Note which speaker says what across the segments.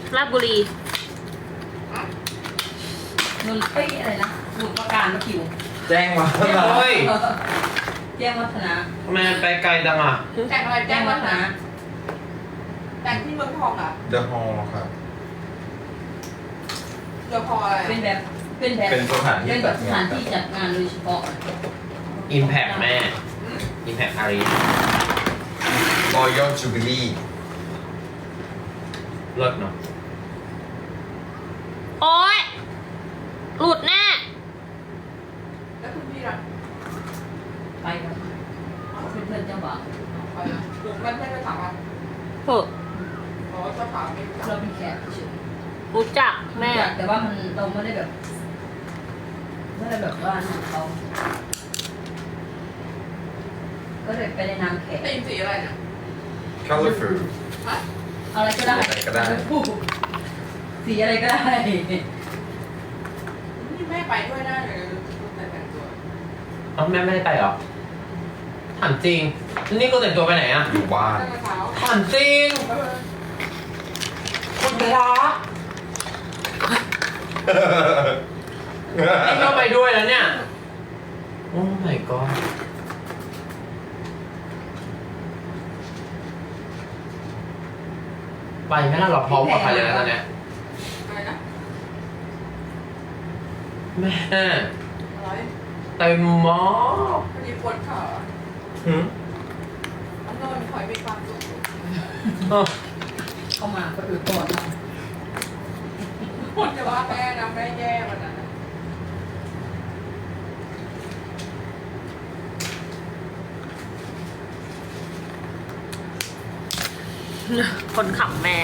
Speaker 1: ราชบุรี
Speaker 2: นนเอ้ยอะไรนะสมุทรปราการมาคิว
Speaker 3: แจ้งมา
Speaker 4: เฮ้ย
Speaker 2: แจ้งวัฒนะ
Speaker 4: ทำไมมันไปไกลจังอ่ะ
Speaker 5: แต่งอะไร
Speaker 2: แจ้
Speaker 5: แจ้
Speaker 2: ง
Speaker 5: ง
Speaker 2: วั
Speaker 5: วั
Speaker 2: ฒ
Speaker 5: ฒ
Speaker 2: นะ
Speaker 5: นะแต่งที่เมืองทองอ่ะ
Speaker 3: เดอะฮอลล์ครับ
Speaker 5: เดี๋ยวพออะไร
Speaker 2: เป็นแบบเป็นแบบ
Speaker 3: เป็นสถานที่
Speaker 2: เป็นแบ
Speaker 3: จั
Speaker 2: บ
Speaker 3: ด
Speaker 2: ส
Speaker 3: งา
Speaker 2: ถาน นที่จัดงานโดยเฉพาะ
Speaker 4: Impact แม่ Impact อารี
Speaker 3: รอยัลจูบิลี่
Speaker 4: เลิศเนาะ
Speaker 1: โอ๊ยหลุดแน่
Speaker 5: แล้วคุณพี่ล่ะ
Speaker 2: ไปกับเพื่อนๆเจ้าบ่าว
Speaker 5: ไปนะมันไม่ได้ถามอ่ะ
Speaker 1: เถอะ
Speaker 5: อ๋อจะถามไม่รู้
Speaker 2: เราเป็นแขกเฉย
Speaker 1: รู้จักแม่
Speaker 2: แต่ว่ามันเราไม่ได้แบบไม่ได้แบบว่าของเขาก็เลยไปในนามแขก
Speaker 5: ตีนสีอะไรเนี่ย
Speaker 3: colorful
Speaker 5: ฮะ
Speaker 2: อะไรก็ได้
Speaker 3: อะไรก็ได้
Speaker 2: สีอะไรก็ได้
Speaker 5: นี่แม่ไปด้วยได้เลยแต่งตัว
Speaker 4: เอ้าแม่ไม่ได้ไปเหรอถามจริง นี่ก็แต่งตัวไปไหนอ่ะ
Speaker 3: อยู่บ้าน
Speaker 5: ตั้งแต่เช้า
Speaker 4: ถามจริง คุณพระนี่ก็ไปด้วยแล้วเนี่ย โอ้ my god ไปไหมล่ะเราพร้อมกับใครเลยนะตอนเนี้ย
Speaker 5: อะไรนะ
Speaker 4: แม่
Speaker 5: อะไร
Speaker 4: เต็มหมอ
Speaker 5: พอดีปวดขา
Speaker 3: หืม
Speaker 5: อันนอนคอยมีความสุข
Speaker 4: เออ
Speaker 2: เข้ามาก็อือก่อนนะ
Speaker 5: ปวดจะว่าแม่นะแม่แย่วันนั้น
Speaker 1: คนขับแม่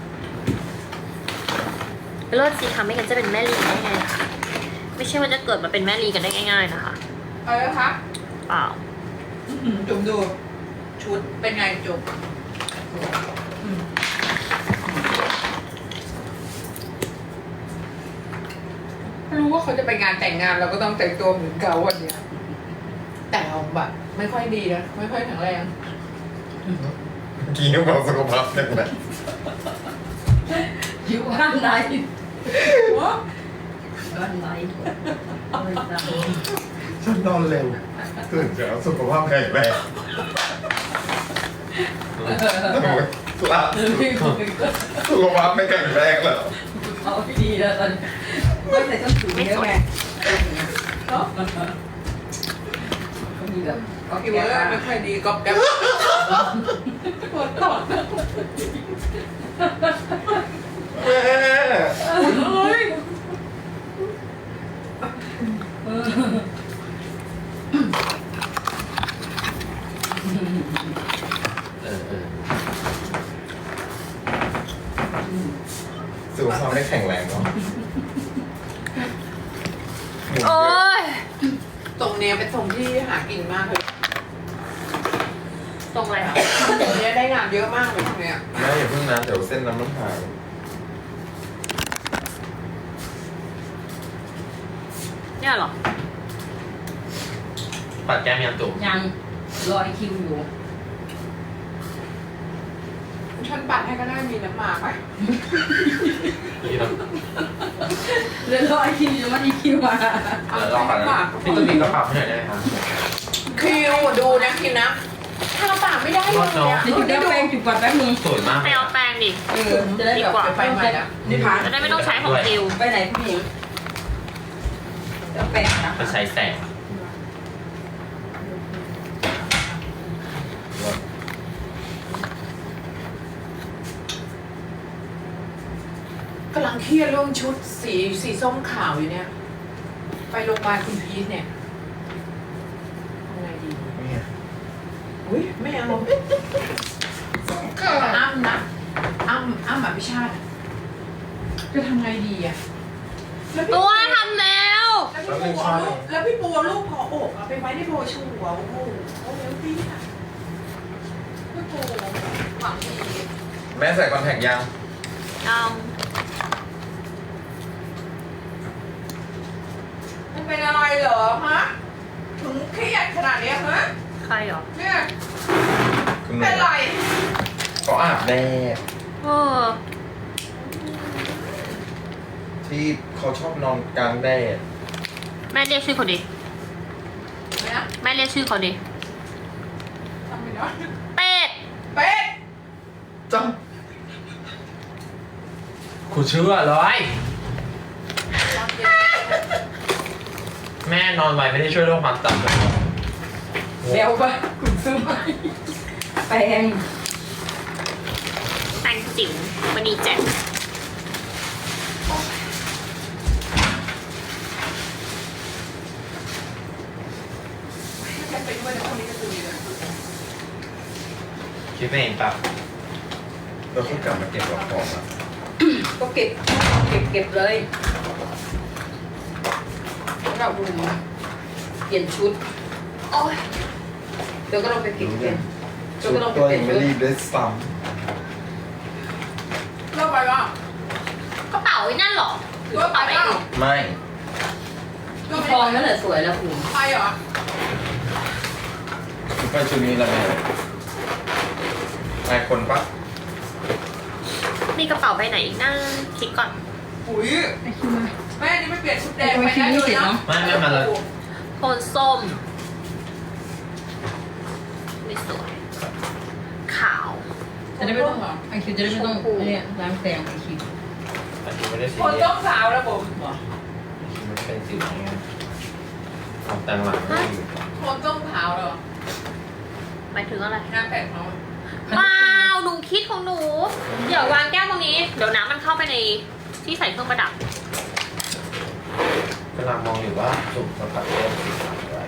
Speaker 1: เลิศสิคะไม่งั้นจะเป็นแม่ลีได้ไงคะไม่ใช่ว่าจะเกิดมาเป็นแม่ลีกันได้ง่ายๆนะคะ
Speaker 5: อะไรนะคะ
Speaker 1: เปล่า
Speaker 5: จุ่มดูชุดเป็นไงจุ่มรู้ว่าเขาจะไปงานแต่งงานเราก็ต้องแต่งตัวเหมือนเขาวันเนี้ยแต่เราแบบไม่ค่อยดีนะไม่ค่อยแข็งแรง
Speaker 3: เมื่อกี้ยังบอกสุขภาพแข็งแรง
Speaker 2: อยู่บ้านไหน
Speaker 5: หัว
Speaker 2: บ้านไหน
Speaker 3: ฉันนอนเร็วตื่นเช้าสุขภาพแข็งแรงล่าสุดสุขภาพไม่แข็งแรงแล้ว
Speaker 2: เอาดีแล้วตอนไม่ใส่ส้นสูงเยอะไง
Speaker 5: เนาะ
Speaker 2: ก็มีแบบ
Speaker 5: ก็คิดว่าไม่ค่อยดีก็แก๊บปวดตอด
Speaker 3: แม่
Speaker 5: เฮ้ย
Speaker 4: เออ
Speaker 3: สุขภาพไม่แข็งแรงเนาะ
Speaker 1: โอ๊ย
Speaker 5: ตรงเนี้ยเป็นตรงที่หากินมากเลย
Speaker 1: ตรงอะไรอ่ะ
Speaker 5: ตรงเนี้ยได้งานเยอะมากเลยตรงเนี้ย
Speaker 3: แม่อย่าเพิ่งนะเดี๋ยวเส้นน้ำมันหาย
Speaker 1: เนี่ยเหรอ
Speaker 4: ปัดแก้มยังจุ๋ม
Speaker 2: ยังรอคิวอยู่
Speaker 5: ฉันปัดให้ก็ได้มีน้ำหมากไหม
Speaker 4: นี่เรา
Speaker 2: เดี๋ยวรอคิวอยู่มาอีคิวมา
Speaker 4: เดี๋ยวรอก่อนนะพี่ตุ้มก็ปรับให้หน่อยได้ไหมครับ
Speaker 5: คิวดูนะคิวนะทาปากไม่ได้เลยอะ
Speaker 2: เดี๋ยวจุดแป้งจุดก่อนแป๊บนึง
Speaker 4: สวยมาก
Speaker 1: ไปเอาแปรงดิ
Speaker 2: จะได้แบบ
Speaker 5: ไปใหม่แล้วนี่พัก
Speaker 1: จะได้ไม่ต้องใช้ของดิว
Speaker 2: ไปไหนพี่หญิงเดี๋ยวแป้งนะ
Speaker 4: มันใช้แสง
Speaker 5: กำลังเครียดเรื่องชุดสีส้มขาวอยู่เนี่ย ไปโรงพยาบาลคุณพีทเนี่ยทำไงดี
Speaker 3: เนี่ย
Speaker 5: อุ้ยไม่เอาอ้ำนะอ้ำอภิชาติอะจะทำไงดีอะแล้วพี่
Speaker 1: ตัวทำแล้ว
Speaker 5: แล้วพี่ปูเอารูปคออกอะไปไว้ในโบชัวร์โอ้โหโอ้โหพี่อะพี่ปูหวังดี
Speaker 3: แม่ใส่คอนแทคยัง
Speaker 1: เอา
Speaker 5: มันเป็นอะไรเหรอฮะถึงเครียดขนาดเนี้ยฮะ
Speaker 1: ใครเหรอ
Speaker 5: เนี่ย
Speaker 3: คุณหนู
Speaker 5: เป็นไร
Speaker 3: ก็อาบแดด
Speaker 1: เออ
Speaker 3: ที่เขาชอบนอนกลางแดด
Speaker 1: แม่เรียกชื่อเขาดิ
Speaker 5: ไม่นะ
Speaker 1: แม่เรียกชื่อเขาดิ
Speaker 5: ทำไม่ได้
Speaker 1: เป็ด
Speaker 5: เป็ด
Speaker 3: จัง
Speaker 4: กูเชื่อเลย
Speaker 5: ตอนเย็น
Speaker 4: แม่นอนไวไม่ได้ช่วยเรื่องความจำเลย
Speaker 5: เร็วไปคุณซื้อไปแปรง
Speaker 1: แตงจิ๋วมันนีแจ็ค
Speaker 5: จะไปด้วยในพวกนี้จะคุยเลย
Speaker 4: คิดไปเองปะ
Speaker 3: เราเพิ่งกลับมาเก็บหลอกของอ่ะ
Speaker 2: ก็เก็บเลย
Speaker 5: เราดูนะ
Speaker 2: เปลี่ยนชุด
Speaker 5: โอ้ย
Speaker 2: เดี๋ยวก็ลองไปเก็บเปลี่ยน
Speaker 3: ชุดตัวยังไม่รีบด้วยซ้
Speaker 5: เลิกไปว่าก
Speaker 1: ระเป๋าไอ้นั่นเหรอหรือกระเป๋าอะไรอื่น
Speaker 3: ำไม่
Speaker 5: เลิก
Speaker 2: ทองนั่นแหละสวยแล้วคุณ
Speaker 5: ไปเหรอ
Speaker 3: ไปชุดนี้แล้วไงนายคนปะ
Speaker 1: มีกระเป๋าใบไหนอีกนะคิดก่อน
Speaker 5: ปุ๋ย
Speaker 2: ไอคิวมา
Speaker 5: แม่นี่ไม่เปลี่ยนชุดแดง
Speaker 2: ทำไม
Speaker 5: ไป
Speaker 2: คิว
Speaker 5: นะ
Speaker 2: ไม่
Speaker 5: เล
Speaker 2: เสร็
Speaker 5: ย
Speaker 2: จ
Speaker 5: นะ
Speaker 2: เนาะ
Speaker 4: ไม่มาเลย
Speaker 1: โทนส้ม ไม่สวย ขาว
Speaker 2: จะได้ไม่ต้องไอคิวจะได้ไม่ต้องเนี่ยล้างแสงไอคิว
Speaker 4: แต่คิดไม่ได้สี
Speaker 5: คน
Speaker 4: เรีย
Speaker 5: ต้องสาวแล้วผม
Speaker 4: คิดไม่ได้เป็นสีอย่างเงี้ยเอาแต่งหลังไม่อยู่
Speaker 5: คนต้องสาวเหรอ
Speaker 1: หมายถึงอะไร
Speaker 5: งานแต่งเขา
Speaker 1: เปล่าหนูคิดของหนู เดี๋ยววางแก้วตรงนี้ เดี๋ยวน้ำมันเข้าไปในที่ใส่เครื่องประดับ
Speaker 4: กำลังมองอยู่ว่าจุ่มสัมผัสเรื่องสีขาวอะไร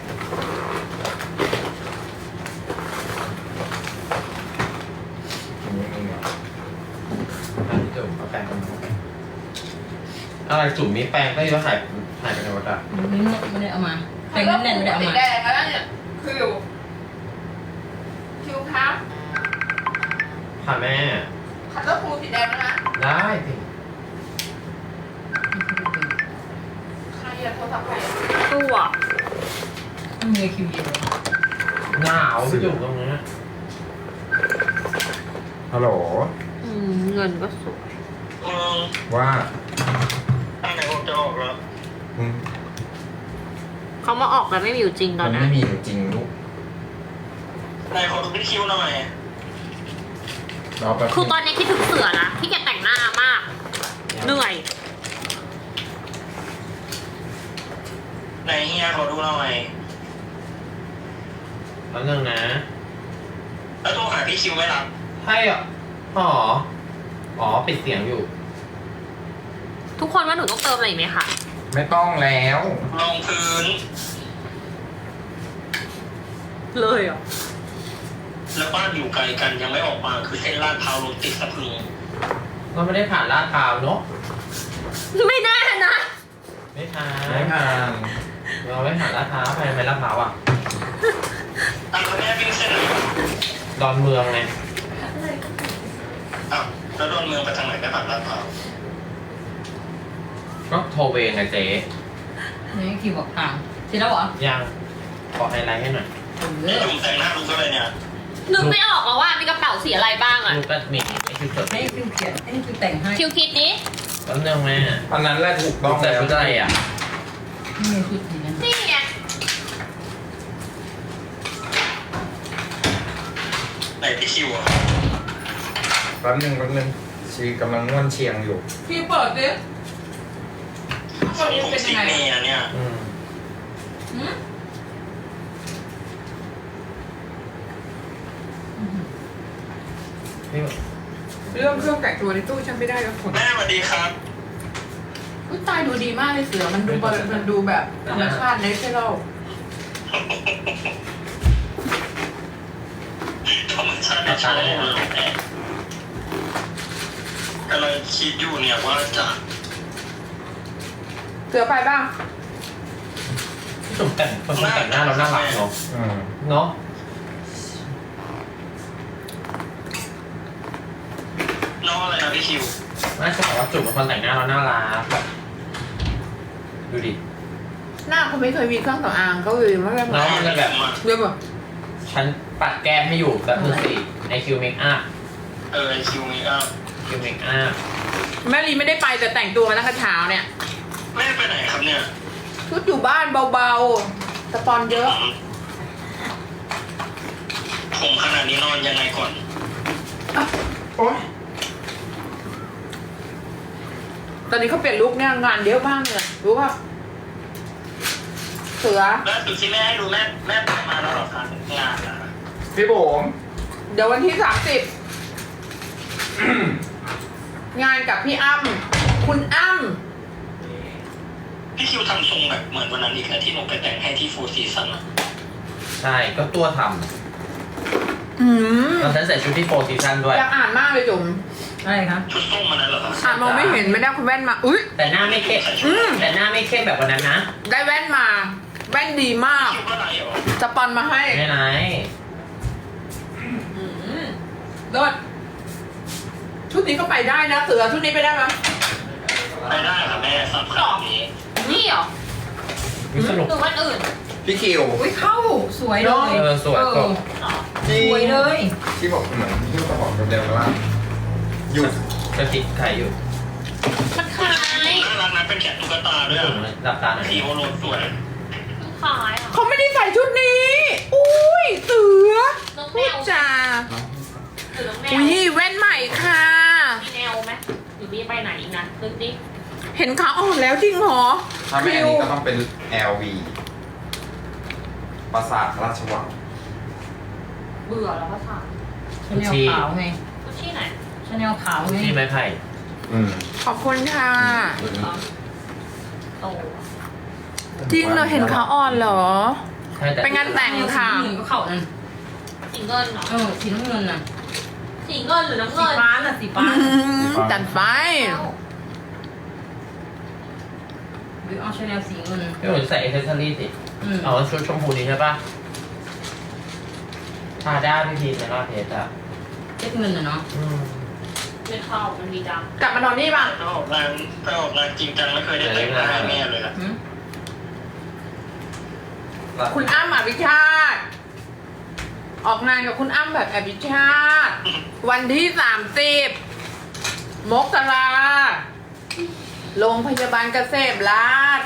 Speaker 4: อันนี้จุ่มเอาแปรงกันมาอะไรจุ่มมีแปรงก็ยังหายไปในวัดอะ
Speaker 2: ไม่ได้เอามาแสงแน่นๆไม่ได้เอา
Speaker 5: ติด
Speaker 2: มา
Speaker 5: แดงแล้วเนี่ยคิวครับ
Speaker 4: ค่ะแม่
Speaker 5: คัตเตอร์ฟูสีแดงแล้วนะ
Speaker 4: ได้สิ
Speaker 5: ใครอะโทรศัพท์ใครอะ
Speaker 1: ตัว
Speaker 2: ต้องมีคิวเย็น
Speaker 4: หนาวไปจุ่มตรงนี้
Speaker 3: ฮัลโหล
Speaker 1: เงินก็สวย
Speaker 3: ว่า
Speaker 6: ตั้งแต่ผมจะออกแล้ว
Speaker 3: อืม
Speaker 1: เขามาออกแล้วไม่มีอยู่จริงต
Speaker 3: มั
Speaker 1: อน
Speaker 3: น
Speaker 1: นี้
Speaker 3: ไม่มีอยู่จริงลูก
Speaker 6: นายขอดูพี่คิวหน่อย
Speaker 3: เราแบบ
Speaker 1: คือตอนนี้คิดถึงเสือนะที่แกแต่งหน้ามาก เหนื่อย
Speaker 6: นายเฮียขอดูหน่อย
Speaker 4: แล้วนึงนะ
Speaker 6: แล้วโทรหาพี่คิวไม่รับ
Speaker 4: ใช่เหรออ๋อปิดเสียงอยู่
Speaker 1: ทุกคนว่าหนูต้องเติมอะไรอีกไหมคะ
Speaker 3: ไม่ต้องแล้ว
Speaker 6: ลงพื้น
Speaker 1: เลยเหรอ
Speaker 6: แล้วบ้านอยู่ไกลกันยังไม่ออกมาคือเส้นลาดพร้าวรถติดสะพรึง
Speaker 4: ก็ไม่ได้ผ่านลาดพร้าวเนาะ
Speaker 1: ไม่แน่นะ
Speaker 4: ไม่ผ่าน
Speaker 3: ไม่ผ่าน
Speaker 4: เราไม่ผ่านลาดพร้าวไปทำไมลาดพร้าวอ่ะ
Speaker 6: อ้าวแล้วแม่วิ่งเส้นไหน
Speaker 4: ดอนเมืองไง
Speaker 6: อ้าวแล้วโดนเมืองไปทางไหนไม่ผ่านลาดพร้าว
Speaker 4: ก็โทรเวงไงเจ๊
Speaker 2: นี่คิวบอกทางเสร็จแล้วเหรอ
Speaker 4: ยังขอไฮไลท์ให้หน่อย
Speaker 6: นี่จุ่มแต่งหน้าดูก็เลยเนี่ย
Speaker 1: นึกไม่ออกแล้วว่ามีกระเป๋าสีอะไรบ้างอะ
Speaker 4: ลูกก็มีไอ้คือจด
Speaker 2: ให้คิวเขียนให้คิวแต่งให้
Speaker 1: คิวคิดนี้
Speaker 4: แล้วนึงแม่
Speaker 3: อันนั้นแหละถูกต้อง
Speaker 4: แต่
Speaker 3: แล้ว
Speaker 4: ชุดอะไรอ่ะ
Speaker 2: ไม่มีชุดนี้นะ
Speaker 1: นี่ไง
Speaker 6: ไหนพี่คิวอ่ะ
Speaker 3: แป๊บนึงชีกำลังง่วนเชียงอยู่
Speaker 5: พี่เปิดดิ
Speaker 6: ทรงผมสีเมียเนี่ย
Speaker 4: อืม
Speaker 5: หืม
Speaker 4: นี่
Speaker 5: เรื่องเครื่องแต่งตัวในตู้ฉันไม่ได้แล้วคน
Speaker 6: แม่สวัสดีครับ
Speaker 5: อุ๊ยตายดูดีมากเลยเสือมันดูแบบธรรมชาติเนเชอรัล
Speaker 6: ธรรมชาติในชาติเลยแม่กำลังคิดอยู่เนี่ยว่าจะ
Speaker 5: เสือไปบ้าง
Speaker 4: จุ่มแต่งคนแต่งหน้าเราน่ารักเนาะ
Speaker 3: อืม
Speaker 4: เนาะ
Speaker 6: น้องอะไรนะพี่คิว
Speaker 4: น่าจะบอกว่าจุ่มเป็นคนแต่งหน้าเราน่ารักแบบดูดิ
Speaker 5: หน้าเขาไม่เคยมีเครื่องสำอางก็เลยไม่ได้
Speaker 4: เนาะมันจะแบบ
Speaker 5: เดี๋ยวแบบ
Speaker 4: ฉันปัดแก้มไม่อยู่แบบมือสี่ในคิวเมคอัพ
Speaker 6: ไอคิวเมคอัพ
Speaker 4: คิวเมคอัพ
Speaker 5: แม่ลีไม่ได้ไปแต่แต่งตัวมาตั้งแต่เช้าเนี่ย
Speaker 6: แม่ไปไหนครับเนี่ย
Speaker 5: ชุดอยู่บ้านเบาๆสปอนเยอะ
Speaker 6: ผมขนาดนี้นอนยังไงก่อน
Speaker 3: โอ๊ย
Speaker 5: ตอนนี้เขาเปลี่ยนลุคเนี่ยงานเยอะมากเลยรู้ป่ะเสือ
Speaker 6: แล้วสุดที่แม่ให้ดูแม่ไปมาแล้วเหรอครับงานอะ
Speaker 3: พี่บุ๋ม
Speaker 5: เดี๋ยววันที่ 30 งานกับพี่อ้ำคุณอ้ำ
Speaker 6: พี่คิวทำทรงแบบเหมือนวันนั้นอีกแล้วที่หนูไปแต่งให้ที่โฟร์ซีซั่นอะ
Speaker 4: ใช่ก็ตัวท
Speaker 5: อืม
Speaker 4: ำตอนฉันใส่ชุดที่โฟร์ซีซั่นด้วย
Speaker 5: อยากอ่านมากเลยจุ๋ม
Speaker 2: อะไรคะ
Speaker 6: ชุดส้มมันนั้นเหรอครับ
Speaker 5: อ่านมองไม่เห็นไม่ได้คุณแว่นมาอุ้ย
Speaker 4: แต่หน้าไม่เข้มแต่หน้าไม่เข้มแบบวันนั้นนะ
Speaker 5: ได้แว่นมาแว่นดีมาก
Speaker 6: คิวก็ไรเหรอ
Speaker 5: สปอนมาให้
Speaker 4: ไม่ไหน
Speaker 5: รถชุดนี้ก็ไปได้นะเสือชุดนี้ไปได้ไหม
Speaker 6: ไปได้ค่ะแม่สับขนาดนี้
Speaker 1: นี่เหรอ
Speaker 4: วิสนุก
Speaker 1: หรือวันอื่น
Speaker 3: พี่คิว
Speaker 2: อุ้ยเข้าสวยเลย
Speaker 4: สวยก็
Speaker 1: เหรอ
Speaker 3: จริง
Speaker 2: สวยเลย
Speaker 3: ที่บอกเหมือนที่สมองเดิมๆว่าหยุด
Speaker 4: จะติดไข่อยู่
Speaker 1: มันคล้าย
Speaker 6: น่ารักนะเป็นแขนตุ๊กตาด้วยอะ
Speaker 4: หลับตาหน่อย
Speaker 6: พี่โอโรสวย
Speaker 1: มันคล้ายอ่ะ
Speaker 5: เขาไม่ได้ใส่ชุดนี้ อุ้ยเสือ
Speaker 1: น้องแม
Speaker 5: พูด
Speaker 1: ว
Speaker 5: จา
Speaker 1: หรือน้องแมว
Speaker 5: อุ้ยแว่นใหม่ค่ะ
Speaker 1: มีแนวไหมหรือมีไปไหนอีกนะนึกดิ
Speaker 5: เห็นขาอ่อนแล้วจริงเหรอ
Speaker 3: ถ้าไม่อันนี้ก็ต้องเป็น LV ปราสาทราชวัง
Speaker 1: เบื่อแล้วก็ถาม
Speaker 2: ชาแนลขาวไง
Speaker 1: กุชชี่ไหน
Speaker 2: ชาแนลขาวไง
Speaker 4: ที่ไม้ไผ่
Speaker 5: ขอบคุณค่ะ
Speaker 1: โต
Speaker 5: จริงเหรอเห็นขาอ่อนเหรอ
Speaker 4: ใช่แต่
Speaker 5: เป็นงานแต่งค่ะ
Speaker 2: สีน้ำเงินก็เข้านั่น
Speaker 1: สีเงินเหรอ
Speaker 2: สีน้ำเงินน่ะ
Speaker 1: สีเงินหรือน้ำ
Speaker 2: สี
Speaker 1: เงิน
Speaker 2: ฟ้าน่ะสีฟ้า
Speaker 5: จัดไป
Speaker 2: หรือเอาชาแนลสีเงิน
Speaker 4: พี่หนูใส่เอเซอรี่สิเอาชุดชมพูนี้ใช่ปะทาด้าพี่พีชในรอบเพชรอ่ะ
Speaker 2: เจ็ดเงินน่ะเนาะ
Speaker 1: ไม่เข้ามันมีด
Speaker 5: กลับมานอนนี่ป่ะ
Speaker 6: ถ้าออกงานจริงจังไม่เคยได้แต่งหน้าให้แม่เลยอะ
Speaker 2: หืม
Speaker 5: คุณอ้ำอภิชาติ ออกงานกับคุณอ้ำแบบอภิชาติ วันที่ 30 มกราโรงพยาบาลเกษมราษฎร์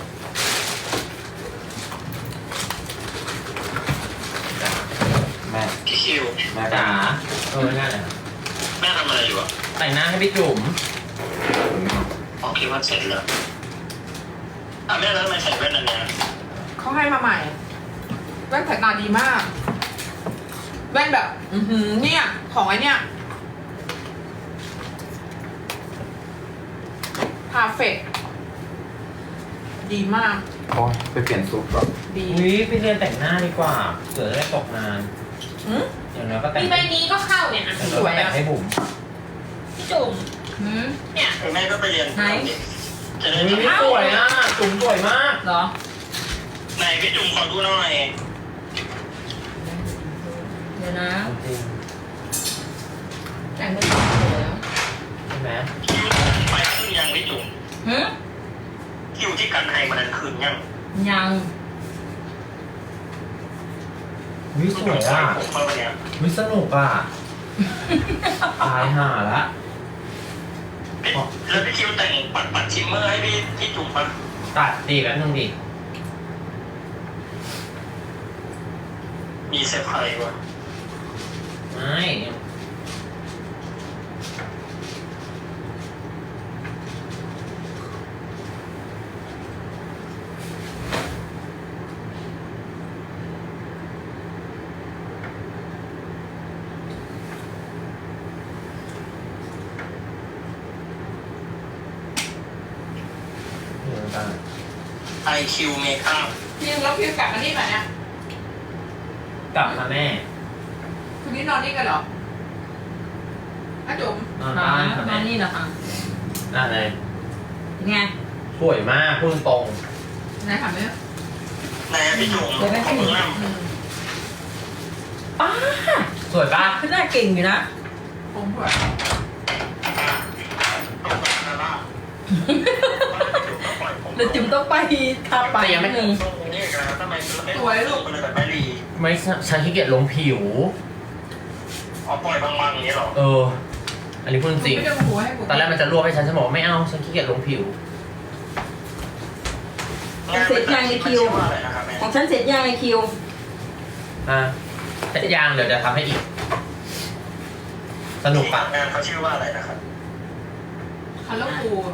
Speaker 3: แม่
Speaker 6: พี่คิว
Speaker 3: แม่
Speaker 4: จ๋าง่ายเลย
Speaker 6: แม่ทำอะไรอยู่อะ
Speaker 4: แต่งหน้าให้พี่จุ๋ม
Speaker 6: อ๋อคิดว่าเสร็จแล้วแม่แล้วทำไมใส่แว่นอันเนี้ย
Speaker 5: เขาให้มาใหม่ แว่นสายตาดีมาก แว่นแบบ เนี่ย ของไอ้เนี่ยพาเฟกดีมาก
Speaker 3: โอ๊ยไปเปลี่ยนซุปก่อน
Speaker 5: ดี
Speaker 4: อุ้ยไปเรียนแต่งหน้าดีกว่าเสือได้ตกงาน
Speaker 5: หืม
Speaker 4: อย่างน้อยก็
Speaker 1: ำ
Speaker 4: แต่ง
Speaker 1: มีใบนี้ก็เข้าเนี่ยอ่ะ
Speaker 4: อย่างน้อยก็แต่งให้บุ๋ม
Speaker 1: พี่จุ๋ม
Speaker 2: หืม
Speaker 1: เนี่ย
Speaker 6: แม่ก็ไปเรียน
Speaker 2: ไหน
Speaker 6: จะได้
Speaker 4: อุ้ย
Speaker 6: ทำ
Speaker 4: สวยอ่ะจุ๋มสวยมาก
Speaker 2: เหรอ
Speaker 6: ไหนพี่จุ๋มขอดูหน่อย
Speaker 2: เดี๋ยวนะ
Speaker 4: จริง
Speaker 2: แต่งเป็นสวยแล้ว
Speaker 4: ใช่ไหม
Speaker 6: คิวไปขึ้นยังพี่จุ๋ม
Speaker 2: หืม
Speaker 6: คิวที่กันไฮมันนั้นคืนยัง
Speaker 2: ยัง
Speaker 4: วิสวยอ่ะ
Speaker 6: ผมเข้าไปเนี่ย
Speaker 4: วิสนุกอ่ะตายห่าละ
Speaker 6: แล้วพี่คิวแต่งปัดชิมเมอร์ให้พี่จุ๋มปะ
Speaker 4: ตัดดีกันนึงดิ
Speaker 6: มีเซอร์ไพรส์วะ
Speaker 4: ไม่เดี๋ยวกัน
Speaker 6: ไอคิวเมคอัพ
Speaker 5: พี่แล้วพี่กลับมานี่ป่ะเนี่ย
Speaker 4: กลับมาแม่
Speaker 5: คืนนี้นอนนี่กันเหรออาจุ๋ม
Speaker 4: นอน
Speaker 2: มา
Speaker 4: บ้านค่ะ
Speaker 2: มา
Speaker 4: แม่
Speaker 2: นี่เหรอคะ
Speaker 4: นั่นเลย
Speaker 2: เป็นไง
Speaker 4: สวยมากพูดตรง
Speaker 5: ไหนถามไหม
Speaker 6: ไหนอะพี่จุ๋ม
Speaker 2: สวยไหม
Speaker 6: ขอบคุณมาก
Speaker 2: ป้า
Speaker 4: สวยปะ
Speaker 2: ขึ้นหน้าเก่งอยู่นะ
Speaker 5: ผมเผื่อ
Speaker 2: เดี๋ยวจิ๋มต้องไปทาปากนิดนึง
Speaker 6: สวยลูกเลยแบบไม่รี
Speaker 4: ไม่ฉันขี้เกียจลงผิว
Speaker 6: อ๋อปล่อยบางๆอย่างนี้หรอ
Speaker 4: เอออันนี้พูดจริง
Speaker 5: ไม่ได้โมโหให้ผม
Speaker 4: ตอนแรกมันจะรวบให้ฉันบอกว่าไม่เอาฉันขี้เกียจลงผิว
Speaker 6: เสร็จยังในคิวอะไรนะครับแม่
Speaker 2: ของฉันเสร็จยังไอคิว
Speaker 4: แต่ยางเดี๋ยวจะทำให้อีก สนุกปะ
Speaker 6: งานเขาชื่อว่าอะไรนะครับ
Speaker 5: คัลเลอร์ฟูล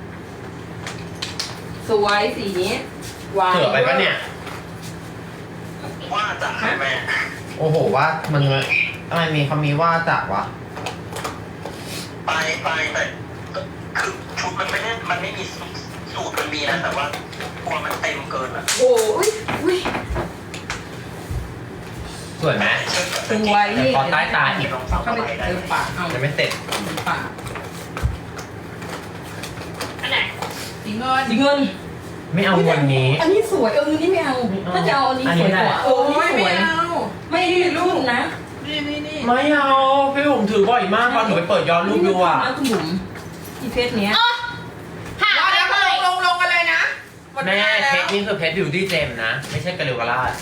Speaker 2: สวยสีนี้หวาน
Speaker 4: เสือไปปะเนี่ย
Speaker 6: ว่าจะให้แม่
Speaker 4: โอ้โหว่ามันทำไมมีเขามีว่าจักวะ
Speaker 6: ไปแต่คือชุดมันไม่ได้มันไม่มีสูตรมันมีนะแต่ว่ากลัวมันเต็มเกินอ่ะ
Speaker 5: โอ้ยอุ้ย
Speaker 4: สวยไหม
Speaker 2: สวยนี่
Speaker 4: พอใต้ตาอีก
Speaker 6: ลองฟัง
Speaker 2: เข้าไปเติมปากเอา
Speaker 4: ยังไม่เสร็จ
Speaker 2: ปาก
Speaker 1: อันไหน
Speaker 5: สีเงิน
Speaker 2: สีเงิน
Speaker 4: ไม่เอาวันนี้
Speaker 2: อันนี้สวยนี่ไม่เอาถ้าจะเอาอันนี้สวยกว่า
Speaker 5: โอ้ย
Speaker 2: ส
Speaker 5: ไม่
Speaker 2: วย
Speaker 5: เอา
Speaker 2: ไม่รุ่นนะ
Speaker 5: นี่
Speaker 4: ไม่เอาพี่ผมถือบ่อยมากตอนหนูไปเปิดย้อนรูปดูอ่ะ
Speaker 2: คุณบุ๋มที่เฟซเนี้ย
Speaker 1: อ๋อหา
Speaker 5: ว่า
Speaker 1: ไม่
Speaker 5: แล้ว
Speaker 1: เลย
Speaker 5: ลงกันเลยนะหมดเว
Speaker 4: แม่
Speaker 5: ลาแล้ว
Speaker 4: เพชรนี่คือเพชรบิวตี้เจมนะ ไม่ใช่กระเรวกระลาด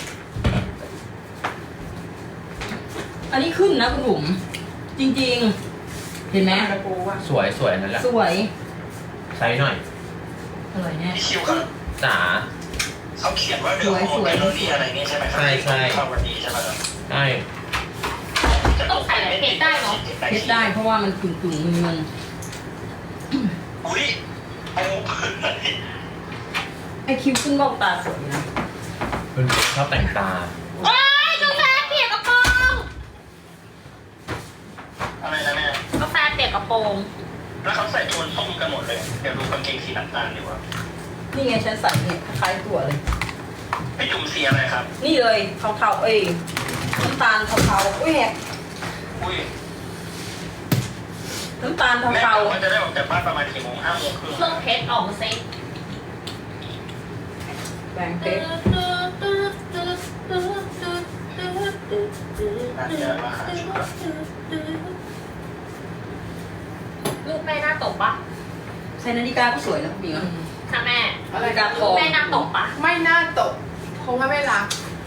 Speaker 2: อันนี้ขึ้นนะคุณบุ๋มจริงๆ เห็นไหม
Speaker 5: กระปูอ่ะ
Speaker 4: สวยนั่นแหละ
Speaker 2: สวย
Speaker 4: ใช้หน่อย
Speaker 2: อร่อยแน่
Speaker 6: พี่คิวครับ
Speaker 4: จ๋า
Speaker 6: เขาเขียนว่าเดือดโมเดลลี่อะไรนี่ใช่ไหมครับเข้าวันนี้ใช่ไหมครับ
Speaker 4: ใช่
Speaker 1: ต้องใส่อะไรเพชรได้เนาะ
Speaker 2: เพชรได้เพราะว่ามันกึ่งเงิน
Speaker 6: อุ้ยโอ้
Speaker 2: ไอคิวขึ้นบอกตาสวยนะ
Speaker 4: คุณชอบแต่งตา
Speaker 1: โอ้ยกาแฟเปียกกระโปรง
Speaker 6: อะไรนะแม่
Speaker 1: กาแฟเปียกกระโปรง
Speaker 6: แล้วเขาใส่โทนส้มกันหมดเลยเดี๋ยวดูกางเกงสีน้ำตาลดีกว่า
Speaker 2: นี่ไงฉันใส่เนี่ยคล้ายตัวเลย
Speaker 6: พี่จุ่มสีอะไรครับ
Speaker 2: นี่เลยเทาๆน้ำตาลเทาๆอุ้ยแหก
Speaker 6: อุ้ย
Speaker 2: น้ำตาล
Speaker 6: แม่
Speaker 2: เทา
Speaker 6: ว่าจะได้ออกจากบ้านประมาณกี่โมง5 โมงครึ่ง
Speaker 1: เครื่องเพชรออกมาเซ็ต
Speaker 2: ๆแบ่งเพชร
Speaker 6: น่าจะมาหาชุดละ
Speaker 1: ลูกแม่หน้าตกปะ
Speaker 2: ใส่นาฬิกาก็สวยนะคุณหญิง
Speaker 1: ค่ะแม่
Speaker 2: นาฬิกาท
Speaker 1: ลู
Speaker 2: อก ง
Speaker 1: แม่หน้าตกปะ
Speaker 5: ไม่น่าตกเพราะว่าไม่รัก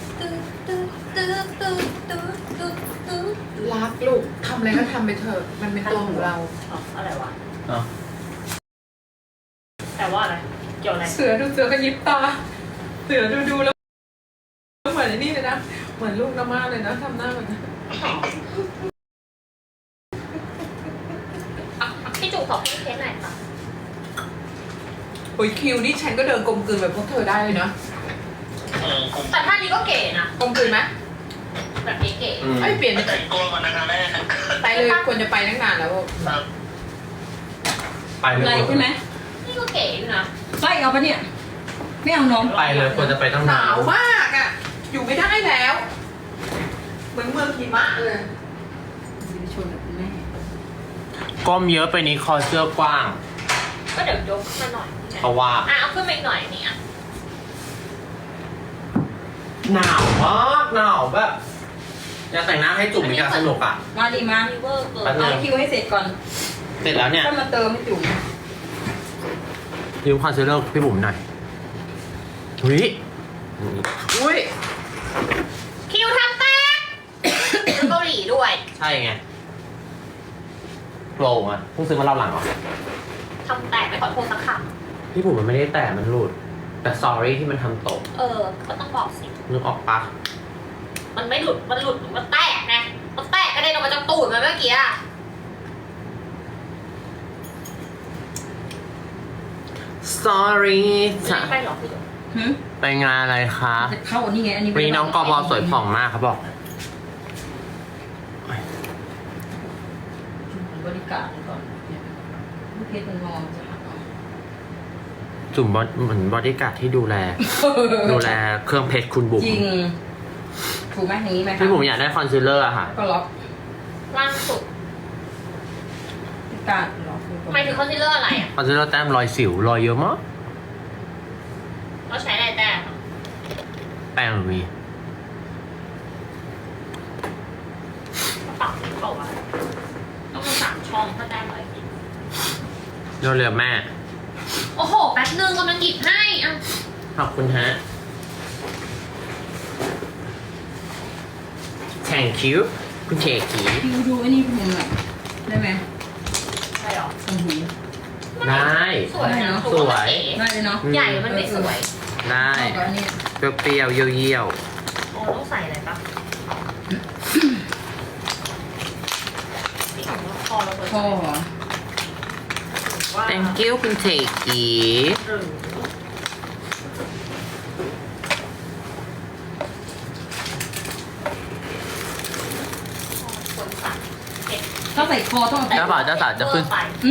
Speaker 5: รักลูกทำอะไรก็ทำไปเถอะมันเป็นตัวของเรา
Speaker 1: อ๋ออะไรวะ
Speaker 4: เนาะ
Speaker 1: แต่ว่าอะไร เกี่ยวอะไร
Speaker 5: เสือดูเสือก็ยิบตา เสือดูแล้วเหมือนไอ้นี่เลยนะเหมือนลูกน้ำมาเลยนะทำหน้าแบบนั้น
Speaker 1: พี่จุ๋มขอพี่เพชรหน่อยค่ะ
Speaker 5: โอ้ยคิวนี่ฉันก็เดินกลมกลืนแบบพวกเธอได้เลยนะ
Speaker 1: แต่ท่านี้ก็เก๋นะ
Speaker 5: กลมกลืนไหม
Speaker 1: แบบนี้เก๋
Speaker 5: ไอ้ยเปลี่ยน
Speaker 6: ไปแต่งตัวก่อนนะคะแม่
Speaker 5: ไปเลยควรจะไปตั้งนานแล้ว
Speaker 6: ครับ
Speaker 4: ไปเล
Speaker 2: อะไร
Speaker 4: ย
Speaker 2: ใช่ไหม
Speaker 1: นี่ก็เก๋อยู่นะ
Speaker 2: ใส่เอาปะเนี่ย ไม่เอาน้อง
Speaker 4: ไปเลยควรจะไปตั้ง
Speaker 5: ห
Speaker 4: นาน
Speaker 5: าวมากอ่ะ อยู่ไม่ได้แล้ว เหมือนเมืองหิมะเลย
Speaker 2: ชนกับคุณแม่
Speaker 4: ก้มเยอะไปนี้คอเสื้อกว้าง
Speaker 1: ก็เดี๋ยวยกขึ้นมาหน่อย
Speaker 4: เพราะว่า
Speaker 1: เอาขึ้นมาอีกหน่อยนี่อ่ะ
Speaker 4: หนาวมากหนาวแบบอยากแต่งหน้าให้จุ่มมีการสนุกอ่ะ
Speaker 2: มาดีมา
Speaker 1: มีเวอร์เกิน
Speaker 4: แป๊บนึ
Speaker 2: เอา
Speaker 4: ง
Speaker 2: คิวให้เสร็จก่อน
Speaker 4: เสร็จแล้วเนี่ย
Speaker 2: ก็มาเติมให้จุ๋ม
Speaker 4: ยืมคอนซีลเลอร์พี่บุ๋มหน่อยอุ้ย
Speaker 5: อุ้ย
Speaker 1: คิวทำแตกเกาหลีด้วย
Speaker 4: ใช่ไงโปร่งอ่ะเพิ่งซื้อมาเล่าหลังเหรอ
Speaker 1: ทำแตกไม่ขอโทษสักค
Speaker 4: พี่บุ๋มมันไม่ได้แตะมันหลุด แต่ sorry ที่มันทำตก
Speaker 1: ำก็ต้องบอกสิ
Speaker 4: นึกออกปะ
Speaker 1: มันไม่หลุด มันหลุด มันแตกไง มันแตกกระเด็นออกมาจากตูดมันเมื่อกี้อะ
Speaker 4: sorry จ้ะ
Speaker 1: ไม่ไปหรอกพี่จุ๋ม
Speaker 2: หืม
Speaker 4: ไปงานอะไรคะ
Speaker 2: จะเข้าอันนี้ไงอันนี้
Speaker 4: วันนี้น้องกอบอสวยผ่องมากครับบอก
Speaker 2: บริการก่อนลูกเพชรมันมองจะหักเอา
Speaker 4: จุ่มเหมือนบอดี้การ์ดที่ดูแล ดูแลเครื่องเพชรคุณบุ๋ม
Speaker 2: จริง ถูกไหมอย่างนี้ไหมคะ
Speaker 4: พี่บุ๋มอยากได้คอนซีลเลอร์อะค่ะ
Speaker 2: ก็ล็อก
Speaker 1: ล่างสุด
Speaker 2: การล็อก
Speaker 1: หมายถึงคอนซีลเลอร์อะไรอ่ะ
Speaker 4: คอนซีลเลอร์แต้มรอยสิวรอยเยอะมาก
Speaker 1: เราใช้อะไรแต้ม
Speaker 4: แป้งมี
Speaker 1: กระเป๋าที่เขาอะต้องมี3 ช่องถ้าแต้มอะไรกิน
Speaker 4: เร็วๆแม่
Speaker 1: โอ้โห แป๊บนึงกำลังหยิบให้อ่ะ
Speaker 4: ขอบคุณฮะ thank you คุณเชคี
Speaker 2: คิวดูอันนี้ผมหน่อยได้ไหม
Speaker 1: ช่หรอ
Speaker 2: ชมพู
Speaker 4: ได้
Speaker 1: สวยนะ
Speaker 4: สวย
Speaker 2: ได้เลยเนาะ
Speaker 1: ใหญ่มันไม่สวย
Speaker 4: ได้
Speaker 2: เอากับอันนี้
Speaker 4: เปรี้ยวๆเยี่ยว
Speaker 1: โอ้ต้องใส่อะไรปะนี่ของคอเราเปิด
Speaker 2: พอเหรอ
Speaker 1: ว่า
Speaker 4: ๆ thank you คุณเทกี
Speaker 1: หรือคนสั่งเผ็ด
Speaker 2: ถ้าใส่คอต้องเอา
Speaker 4: เจ้าบ่าวเจ้าสาวจะขึ้น
Speaker 1: ไป